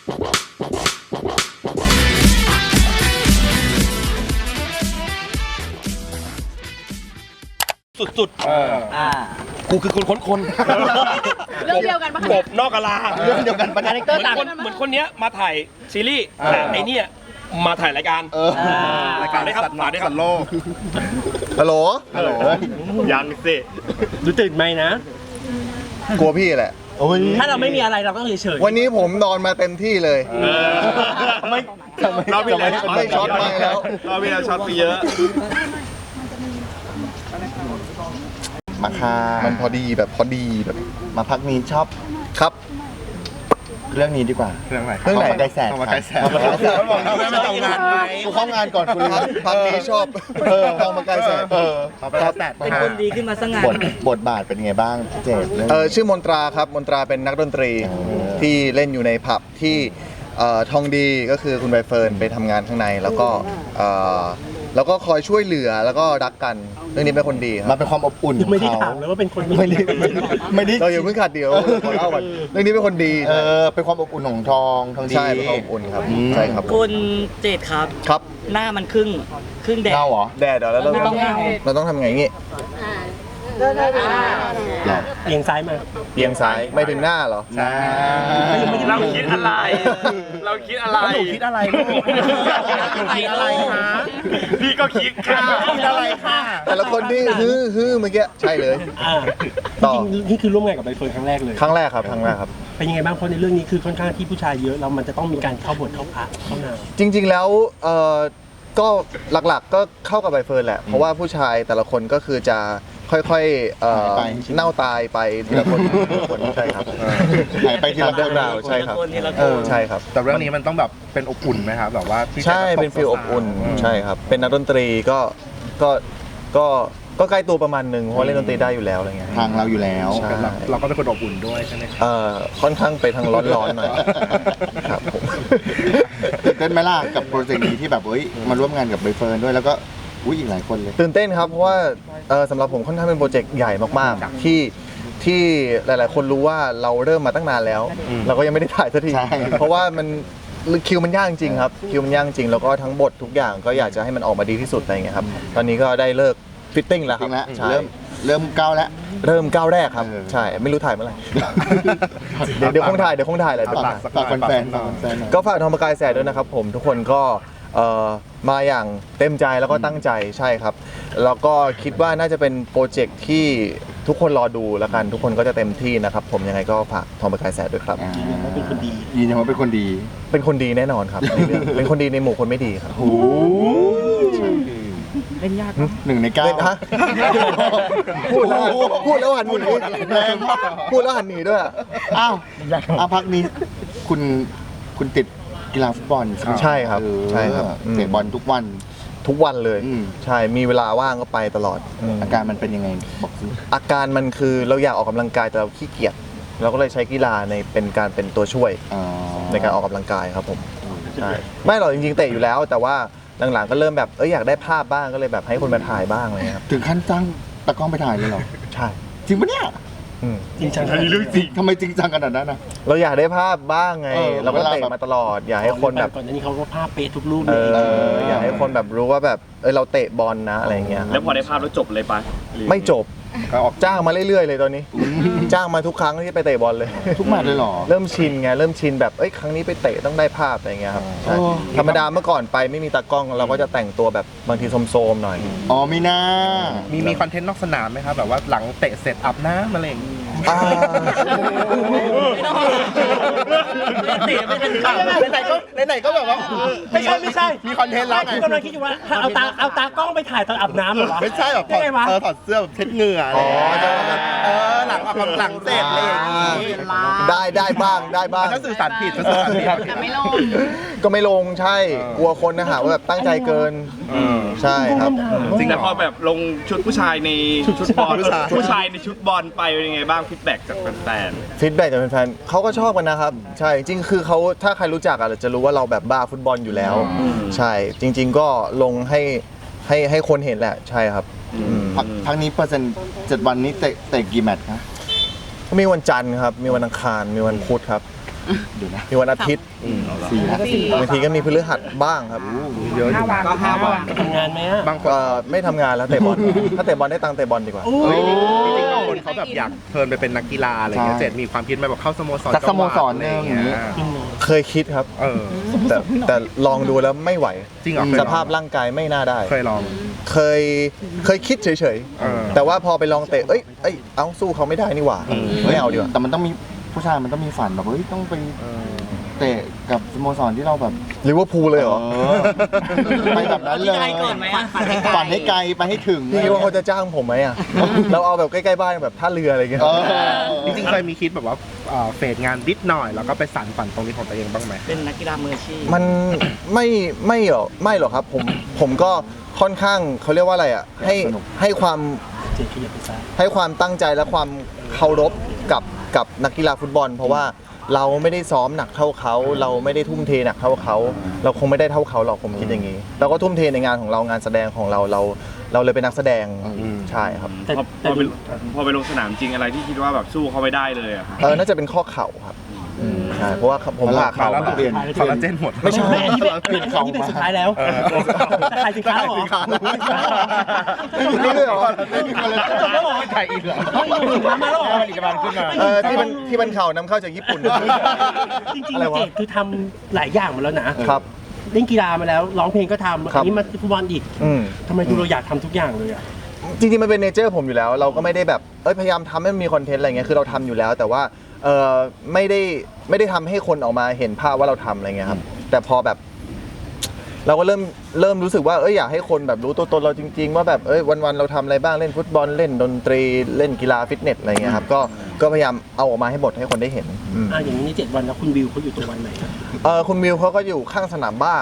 สุดๆกูคือคนเรื่องเดียวกันปะกบนอกกะลาเรื่องเดียวกันปะคาแรคเตอร์ต่างเหมือนคนเนี้ยมาถ่ายซีรีส์แต่ไอเนี่ยมาถ่ายรายการรายการได้ครับฝากด้วยครับฮัลโหลยังสิดูตื่นไหมนะกลัวพี่แหละถ้าเราไม่มีอะไรเราต้องเฉยวันนี้ผมนอนมาเต็มที่เลยไม่เราพี่แล้วไม่ช็อตมาแล้วเราพี่แล้วช็อตไปเยอะมาค่ะมันพอดีแบบมาพักนี้ชอบครับ เรื่องนี้ดีกว่าเรื่องไหนไกลแสนไกลแสนบอกเราไม่ทำงานไหมกูเข้างานก่อนคุณพักนี้ชอบทองมาไกลแสนเป็นคนดีขึ้นมาสักงานบทบาทเป็นไงบ้างพี่เจดชื่อมนตราครับมนตราเป็นนักดนตรีที่เล่นอยู่ในผับที่ทองดีก็คือคุณใบเฟิร์นไปทำงานข้างในแล้วก็คอยช่วยเหลือแล้วก็รักกันเรื่องนี้เป็นคนดีครับมันเป็นความอบอุ่นไม่ได้ถามเลยว่าเป็นคนไม่ได้เราอย่าเพิ่งขาดเดียวขอเล่าก่อนเรื่องนี้เป็นคนดีเป็นความอบอุ่นของทองดีใช่เป็นความอบอุ่นครับใช่ครับคุณเจดครับครับหน้ามันครึ่งแดดเงาเหรอแดดแล้วเราต้องทำไงงี้เอียงซ้ายมาเอียงซ้ายไม่ถึงหน้าเหรอเราคิดอะไรเราคิดอะไรหนูคิดอะไรลูกหนูคิดอะไรคะพี่ก็คิดค่ะคิดอะไรค่ะแต่ละคนที่ฮือเมื่อกี้ใช่เลยต่อนี่คือร่วมงานกับใบเฟิร์นครั้งแรกเลยครั้งแรกครับเป็นยังไงบ้างเพราะในเรื่องนี้คือค่อนข้างที่ผู้ชายเยอะแล้วมันจะต้องมีการเข้าบทเข้าพระเข้านางจริงๆแล้วก็หลักๆก็เข้ากับใบเฟิร์นแหละเพราะว่าผู้ชายแต่ละคนก็คือจะค่อยๆเน่าตายไปทีละคนใช่ครับหายไปทีละเรื่องราวใช่ครับใช่ครับแต่เรื่องนี้มันต้องแบบเป็นอบอุ่นไหมครับแบบว่าใช่เป็นฟีลอบอุ่นใช่ครับเป็นนักดนตรีก็ใกล้ตัวประมาณนึงเพราะเล่นดนตรีได้อยู่แล้วอะไรเงี้ยทางเราอยู่แล้วเราก็เป็นคนอบอุ่นด้วยใช่ไหมครับค่อนข้างไปทางร้อนๆหน่อยครับผมตื่นเต้นไหมล่ะกับโปรเจกต์นี้ที่แบบมาร่วมงานกับใบเฟิร์นด้วยแล้วก็อีกหลายคนเลยตื่นเต้นครับเพราะว่าสำหรับผมค่อนข้างเป็นโปรเจกต์ใหญ่มากๆที่หลายๆคนรู้ว่าเราเริ่มมาตั้งนานแล้วเราก็ยังไม่ได้ถ่ายสักทีเพราะว่ามันคิวมันยากจริงครับคิวมันยากจริงแล้วก็ทั้งบททุกอย่างก็อยากจะให้มันออกมาดีที่สุดอะไรเงี้ยครับตอนนี้ก็ได้เลิกฟิตติ้งแล้วครับเริ่มก้าวแล้วเริ่มก้าวแรกครับใช่ไม่รู้ถ่ายเมื่อไหร่เดี๋ยวคงถ่ายแหละฝากแฟนก็ฝากทองประกายแสดด้วยนะครับผมทุกคนก็มาอย่างเต็มใจแล้วก็ตั้งใจใช่ครับแล้วก็คิดว่าน่าจะเป็นโปรเจกต์ที่ทุกคนรอดูแล้วกันทุกคนก็จะเต็มที่นะครับผมยังไงก็ฝากทองประกายแสดด้วยครับเป็นคนดียืนยันว่าเป็นคนดีแน่นอนครับในเรื่องเป็นคนดีในหมู่คนไม่ดีครับโอ้เล่นยาก 1 ใน 9พูดแล้วหันหนีแรงมากพูดแล้วหันหนีด้วยอ้าวพักนี้คุณติดกีฬาฟุตบอลใช่ครับเตะบอลทุกวันเลยใช่มีเวลาว่างก็ไปตลอดอาการมันเป็นยังไงบอกสิอาการมันคือเราอยากออกกำลังกายแต่เราขี้เกียจเราก็เลยใช้กีฬาเป็นตัวช่วยในการออกกำลังกายครับผมใช่ไม่หรอกจริงๆเตะอยู่แล้วแต่ว่าหลังๆก็เริ่มแบบอยากได้ภาพบ้างก็เลยแบบให้คนมาถ่ายบ้างอะไรครับถึงขั้นจ้างตากล้องไปถ่ายเลยเหรอใช่จริงปะเนี่ยจริงจังเรื่องจริงทำไมจริงจังขนาดนั้นนะเราอยากได้ภาพบ้างไงเราก็เตะมาตลอดอยากให้คนแบบก่อนหน้านี้เขาก็ภาพเป๊ะทุกรูปอยากให้คนแบบรู้ว่าแบบเราเตะบอลนะอะไรเงี้ยแล้วพอได้ภาพแล้วจบเลยปะไม่จบจ้างมาเรื่อยๆเลยตอนนี้จ้างมาทุกครั้งที่ไปเตะบอลเลยทุกแมตช์เลยหรอเริ่มชินไงเริ่มชินแบบครั้งนี้ไปเตะต้องได้ภาพอะไรเงี้ยครับธรรมดาเมื่อก่อนไปไม่มีตากล้องเราก็จะแต่งตัวแบบบางทีโซมๆหน่อยมีหน้ามีคอนเทนต์นอกสนามไหมครับแบบว่าหลังเตะเสร็จอาบน้ำอะไรอย่างงี้ไหนก็แบบว่าไม่ใช่มีคอนเทนต์แล้วไงกำลังคิดอยู่ว่าเอาตากล้องไปถ่ายตอนอาบน้ำเหรอวะไม่ใช่แบบถอดเสื้อแบบเช็ดเหงื่อหลังเสร็จอะไรอย่างงี้ได้บ้างถ้าสื่อสารผิดแต่ไม่ลงก็ไม่ลงใช่กลัวคนนะหาว่าแบบตั้งใจเกินใช่ครับจริงแต่พอแบบลงชุดผู้ชายในชุดบอลผู้ชายในชุดบอลไปเป็นยังไงบ้างฟีดแบ็กจากแฟนเขาก็ชอบกันนะครับใช่จริงคือเขาถ้าใครรู้จักจะรู้ว่าเราแบบบ้าฟุตบอลอยู่แล้วใช่จริงๆก็ลงให้คนเห็นแหละใช่ครับพักนี้เปอร์เซ็นต์7 วันนี้เตะกี่แมตช์ครับมีวันจันทร์ครับมีวันอังคารมีวันพุธครับเดี๋ยวนะมีวันอาทิตย์ 4 นะบางทีก็มีพฤหัสบ้างครับเยอะอยู่นะก็5 วันทำงานไหมอะบางคนไม่ทำงานแล้วเตะบอล ถ้าเตะบอลได้ตังค์เตะบอลดีกว่าโอ้เฮ้ยยจริงๆบางคนเขาแบบอยากเทิร์นไปเป็นนักกีฬาอะไรเงี้ยใช่เจ็ดมีความคิดไหมแบบเข้าสโมสรสักสโมสรหนึ่งอะไรเงี้ยเคยคิดครับเออแต่ลองดูแล้วไม่ไหวจริงเหรอเคยสลองภาพร่างกายไม่น่าได้เคยลองเคยคิดเฉยเออๆ แต่ว่าพอไปลองเตะเอ้ยเอาสู้เขาไม่ได้นี่หว่า ไม่เอาดีกว่าแต่มันต้องมีผู้ชายมันต้องมีฝันแบบเฮ้ยต้องไปเตะกับสโมสรที่เราแบบลิเวอร์พูลเลยเหรอไปแบบนั้นเลยที่ไกลก่อนไหมอะฝันให้ไกลไปให้ถึงพี่คิดว่าเขาจะจ้างผมไหมอ่ะ เราเอาแบบใกล้ๆบ้านแบบท่าเรืออะไรเงี้ยเออจริงๆเคยมีคิดแบบว่าเฟดงานนิดหน่อยแล้วก็ไปสานฝันตรงนี้ของตัวเองบ้างไหมเป็นนักกีฬามืออาชีพมันไม่หรอกครับผมก็ค่อนข้างเขาเรียกว่าอะไรอ่ะให้ความเจ็ดขยับไปซ้ายให้ความตั้งใจและความเคารพกับนักกีฬาฟุตบอล เพราะว่าเราไม่ได้ซ้อมหนักเท่าเขา เราไม่ได้ทุ่มเทหนักเท่าเขา เราคงไม่ได้เท่าเขาหรอกผมคิดอย่างนี้เราก็ทุ่มเทในงานของเรางานแสดงของเราเลยเป็นนักแสดงใช่ครับแต่พอไปลงสนามจริงอะไรที่คิดว่าแบบสู้เขาไม่ได้เลยอะน่าจะเป็นข้อเข่าครับใช่เพราะว่าผมผ่าเข่าแล้วมาเปลี่ยนคอลลาเจนหมดไม่ใช่ที่เป็นสุดท้ายแล้วจะขายสินค้าเหรอนี่ด้วยเหรอจบแล้วเหรอไทยอีกเหรอมาแล้วเหรอผลิตภัณฑ์ขึ้นมาที่มันเข่านำเข้าจากญี่ปุ่นจริงอะไรๆวะเจดคือทำหลายอย่างมาแล้วนะครับเล่นกีฬามาแล้วร้องเพลงก็ทำครัอับนนี้มาฟุตบอลอีกอืมทำไมดูเราอยากทำทุกอย่างเลยอ่ะจริงๆมันเป็นเนเจอร์ผมอยู่แล้ว เราก็ไม่ได้แบบพยายามทำให้มันมีคอนเทนต์อะไรเงี้ยคือเราทำอยู่แล้ว แต่ว่าไม่ได้ทำให้คนออกมาเห็นภาพว่าเราทำอะไรเงี้ยครับแต่พอแบบ เราก็เริ่มรู้สึกว่าอยากให้คนแบบรู้ตัวตนเราจริง ๆ ว่าแบบวันๆเราทำอะไรบ้างเล่นฟุตบอลเล่นดนตรีเล่นกีฬาฟิตเนสอะไรเงี้ยครับก็พยายามเอาออกมาให้หมดให้คนได้เห็นอย่างนี้ใน7 วันแล้วคุณวิวเขาอยู่ตรงวันไหนครับคุณวิวเขาก็อยู่ข้างสนามบ้าง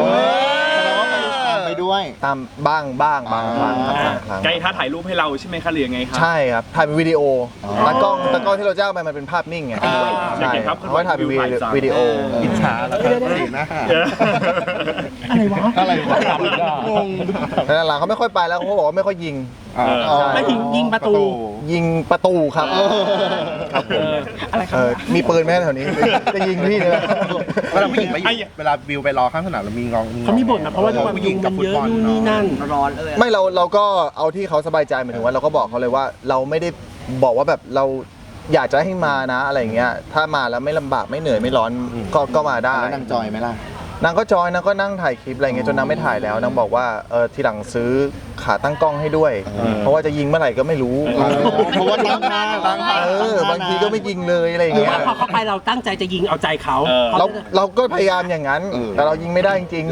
ไปด้วยตามบ้างบางครั้งครับบางครั้งไกด์ท้าถ่ายรูปให้เราใช่ไหมคะหรือยังไงครับใช่ครับถ่ายเป็นวิดีโอตากล้องที่เราจ้างไปมันเป็นภาพนิ่งไงอยากเห็นภาพเขาก็ถ่ายเป็นวิดีโออิจฉาแล้วก็สีหน้าอะไรวะอะไรวะงงแต่หลังๆเขาไม่ค่อยไปแล้วเขาบอกว่าไม่ค่อยยิงไม่ถึงยิงประตูยิงประตูครับครับผมอะไรครับมีปืนไหมแถวนี้จะยิงพี่เลยเวลาผู้หญิงไปอยู่เวลาวิวไปรอข้างสนามเรามีงองเขามีบ่นนะเพราะว่าด้วยความผู้หญิงกับฟุเยตอะบอลนู่นนี่นั่นร้อนเลยไม่เราก็เอาที่เขาสบายใจหมายถึงว่าเราก็บอกเขาเลยว่าเราไม่ได้บอกว่าแบบเราอยากจะให้มานะอะไรอย่างเงี้ยถ้ามาแล้วไม่ลำบากไม่เหนื่อยไม่ร้อนก็มาได้แล้วนางจอยไหมล่ะนางก็จอยนางก็นั่งถ่ายคลิปอะไรเงี้ยจนนางไม่ถ่ายแล้วนางบอกว่าทีหลังซื้อขาตั้งกล้องให้ด้วย เพราะว่าจะยิงเมื่อไหร่ก็ไม่รู้เพราะว่าตั้งหน้าบางทีก็ไม่ยิงเลยอะไรอย่างหรือเงี้ยว่าพอเข้าไปเราตั้งใจจะยิงเอาใจเขาเราก็พยายามอย่างนั้น แต่เรายิงไม่ได้จริง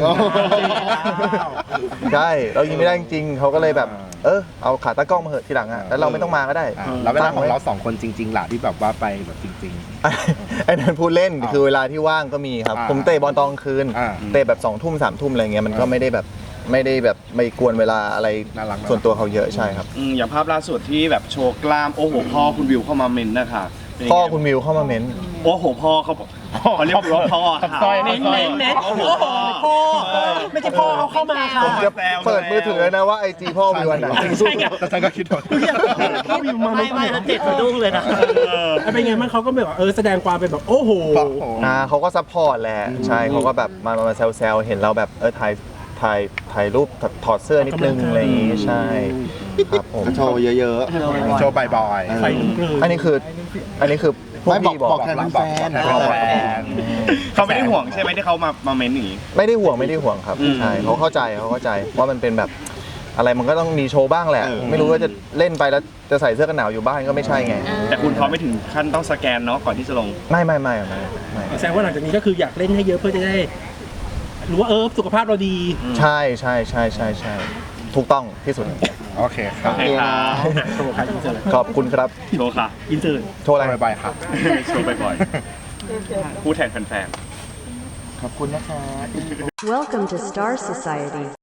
ๆใช่เรายิงไม่ได้จริงๆเขาก็เลยแบบเอาขาตั้งกล้องมาเหอะทีหลังอ่ะแล้วเราไม่ต้องมาก็ได้แล้วเวลาของเราสองคนจริงๆล่ะที่แบบว่าไปแบบจริงไอ้นั่นพูดเล่นคือเวลาที่ว่างก็มีครับผมเตะบอลตอนกลางคืน เตะแบบ2 ทุ่ม3 ทุ่มอะไรเงี้ยมันก็ไม่ได้แบบไม่กวนเวลาอะไรส่วนตัวเขาเยอะใช่ครับอย่างภาพล่าสุดที่แบบโชว์กล้ามโอ้โหพ่อคุณวิวเข้ามาเมนนะคะเป็นยังไงพ่อคุณวิวเข้ามาเม้นโอ้โหพ่อเขาเรียกว่าพ่อค่ะเม้นโอ้โหพ่อไม่ใช่พ่อเอาเข้ามาค่ะผมจะเปิดมือถือนะว่าไอจีพ่อวิวอันไหนใช่ไงๆแต่ฉันก็คิดว่าพ่อวิวมาไม่แล้วเจ็ดสะดุ้งเลยนะเป็นไงมันเขาก็แบบว่าแสดงความเป็นแบบโอ้โหเขาก็ซัพพอร์ตแหละใช่เขาก็แบบมาแซวๆเห็นเราแบบถ่ายรูปถอดเสื้อนิดนึงอะไรอย่างงี้ใช่ครับผมก็โชว์เยอะโชว์บ่อยไฟลุกเลยอันนี้คือพวกไม่บอกพี่บอกบอกแทนแฟนเขาไม่ได้ห่วงใช่ไหมที่เขามาเมนอย่างนี้ไม่ได้ห่วงครับใช่เขาเข้าใจว่ามันเป็นแบบอะไรมันก็ต้องมีโชว์บ้างแหละ ไม่รู้ว่าจะเล่นไปแล้วจะใส่เสื้อกันหนาวอยู่บ้านก็ไม่ใช่ไงแต่คุณเขาไม่ถึงขั้นต้องสแกนเนาะก่อนที่จะลงไม่แสดงว่าหลังจากนี้ก็คืออยากเล่นให้เยอะเพื่อจะได้รู้ว่าสุขภาพเราดีใช่ถูกต้องที่สุดๆโอเคครับโอเคครับโชว์ค่ะอินเสิร์ตขอบคุณครับโชว์ค่ะอินเสิร์ตโชว์อะไรบ่อยๆครับโชว์บ่อยๆพูดแทนแฟนๆขอบคุณนะคะ Welcome to Star Society.